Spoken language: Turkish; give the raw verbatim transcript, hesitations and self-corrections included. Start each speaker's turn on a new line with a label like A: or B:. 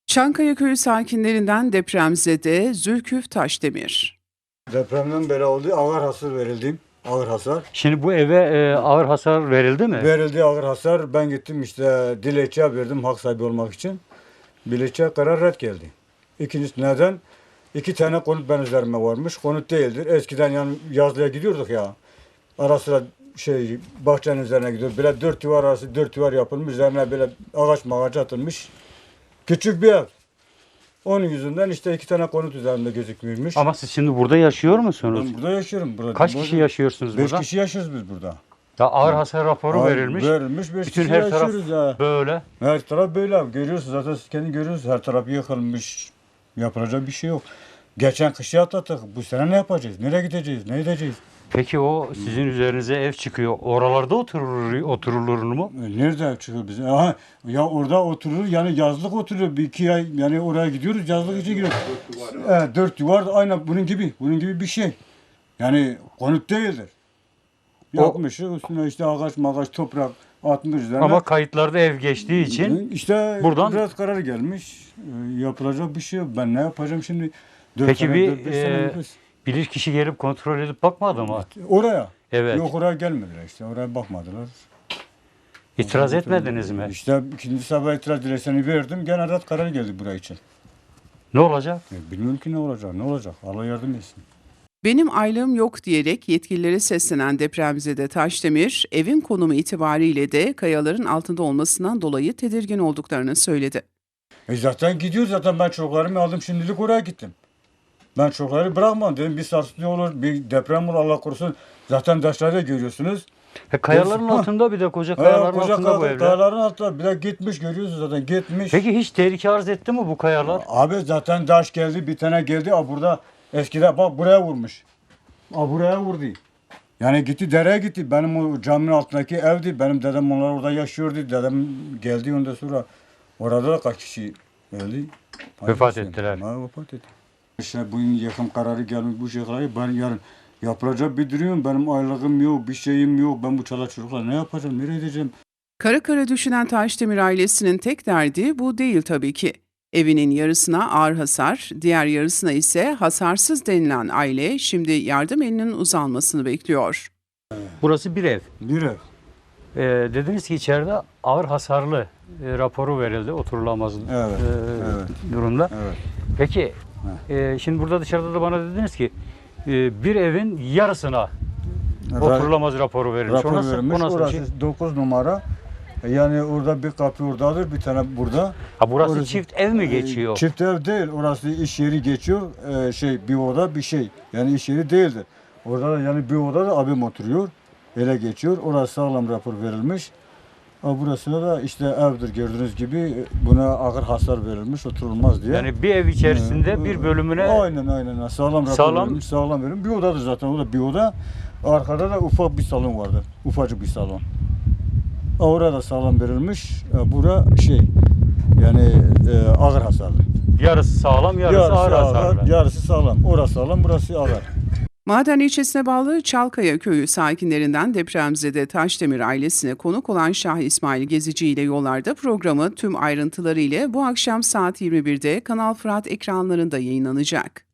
A: Çankaya Köyü sakinlerinden depremzede Zülküf Taşdemir.
B: Depremden beri oldu. Ağır hasar verildi. Ağır hasar.
C: Şimdi bu eve e, ağır hasar verildi mi?
B: Verildi ağır hasar. Ben gittim işte dilekçe verdim hak sahibi olmak için. Dilekçe karar red geldi. İkincisi neden? İki tane konut ben üzerime varmış. Konut değildir. Eskiden yani yazlığa gidiyorduk ya. Ara sıra şey bahçenin üzerine gidiyor. Böyle dört duvar arası dört duvar yapılmış. Üzerine böyle ağaç mağaç atılmış. Küçük bir ev. Onun yüzünden işte iki tane konut üzerinde gözükmüyormuş.
C: Ama siz şimdi burada yaşıyor musunuz?
B: Ben burada yaşıyorum. Burada.
C: Kaç
B: Burada-
C: kişi yaşıyorsunuz
B: Beş
C: burada?
B: kişi yaşıyoruz biz burada.
C: Ya ağır hasar raporu
B: Ay,
C: verilmiş.
B: Verilmiş. Beş
C: Bütün
B: kişi
C: her taraf
B: yaşıyoruz ya.
C: böyle.
B: Her taraf böyle. Görüyorsunuz zaten siz kendi görüyorsunuz. Her taraf yıkılmış. Yapılacak bir şey yok. Geçen kışı atlattık. Bu sene ne yapacağız? Nereye gideceğiz? Ne edeceğiz?
C: Peki o sizin üzerinize ev çıkıyor. Oralarda oturur, oturulur mu?
B: E, Nerede çıkıyor bize? Aha, ya orada oturur yani yazlık oturuyor. Bir iki ay yani oraya gidiyoruz yazlık için gidiyoruz. Evet, dört duvar aynen bunun gibi. Bunun gibi bir şey. Yani konut değildir.
C: O-
B: Yapmış üstüne işte ağaç mağaç toprak atmış üzerine.
C: Ama kayıtlarda ev geçtiği için
B: işte
C: buradan-
B: biraz karar gelmiş. Ee, Yapılacak bir şey yok. Ben ne yapacağım şimdi? Dört
C: Peki
B: sene,
C: bir,
B: dört beş sene
C: e,
B: yapıyoruz.
C: bilir kişi gelip kontrol edip bakmadı mı?
B: Oraya.
C: Evet.
B: Yok oraya gelmediler işte. Oraya bakmadılar.
C: İtiraz etmediniz mi?
B: İşte ikinci sabah itiraz dilekçesini verdim. Gene red karar geldi buraya için.
C: Ne olacak?
B: E, Bilmiyorum ki ne olacak. Ne olacak? Allah yardım etsin.
A: Benim aylığım yok diyerek yetkililere seslenen depremzede Taşdemir, evin konumu itibariyle de kayaların altında olmasından dolayı tedirgin olduklarını söyledi.
B: E zaten gidiyor zaten ben çocuklarımı aldım şimdilik oraya gittim. Ben çocukları bırakmam dedim bir sarsıntı olur bir deprem olur Allah korusun. Zaten taşları görüyorsunuz.
C: E, kayaların
B: Ha.
C: altında bir de koca
B: Ha,
C: kayaların
B: koca
C: altında bu
B: kaya-
C: evler.
B: kayaların altında bir de gitmiş görüyorsunuz zaten gitmiş.
C: Peki hiç tehlike arz etti mi bu kayalar?
B: Abi zaten taş geldi bir tane geldi a burada eskiden bak buraya vurmuş. A buraya vurdu. Yani gitti dereye gitti. Benim o caminin altındaki evdi. Benim dedem onlar orada yaşıyordu. Dedem geldi ondan sonra orada da kaç kişi öldü.
C: Vefat
B: Hayır,
C: ettiler.
B: Ha, vefat etti. İşte bugün yakın kararı gelmiş bu şeyleri ben yarın yapılacak bir durum. Benim aylığım yok, bir şeyim yok. Ben bu çoluk çocuklar ne yapacağım, nereye gideceğim?
A: Kara kara düşünen Taşdemir ailesinin tek derdi bu değil tabii ki. Evinin yarısına ağır hasar, diğer yarısına ise hasarsız denilen aile şimdi yardım elinin uzanmasını bekliyor.
C: Burası bir ev.
B: Bir ev.
C: E, dediniz ki içeride ağır hasarlı e, raporu verildi oturulamaz
B: Evet,
C: e,
B: evet.
C: durumda.
B: Evet.
C: Peki e, şimdi burada dışarıda da bana dediniz ki e, bir evin yarısına oturulamaz raporu verilmiş.
B: Rapor
C: O nasıl,
B: verilmiş.
C: o nasıl bir
B: Orası
C: şey?
B: dokuz numara. Yani orada bir kapı oradadır, bir tane burada.
C: Ha, burası
B: Orası-
C: çift ev mi geçiyor?
B: Çift ev değil. Orası iş yeri geçiyor. Ee, şey bir oda bir şey. Yani iş yeri değildir. Orada da yani bir oda da abim oturuyor. Ele geçiyor. Orası sağlam rapor verilmiş. Ha, burasına da işte evdir gördüğünüz gibi buna ağır hasar verilmiş oturulmaz diye.
C: Yani bir ev içerisinde
B: Ee,
C: bir bölümüne
B: aynen aynen sağlam rapor
C: Sağlam-
B: verilmiş. Sağlam verilmiş. Bir odadır zaten. O da bir oda. Arkada da ufak bir salon vardır. Ufacık bir salon. Ha, orada sağlam verilmiş. Ha, bura şey yani e, ağır hasarlı.
C: yarısı sağlam, yarısı, ağır hasarlı.
B: yarısı sağlam. Orası sağlam, burası ağır.
A: Maden ilçesine bağlı Çalkaya Köyü sakinlerinden depremzede Taşdemir ailesine konuk olan Şah İsmail Gezici ile Yollarda programı tüm ayrıntılarıyla bu akşam saat yirmi birde Kanal Fırat ekranlarında yayınlanacak.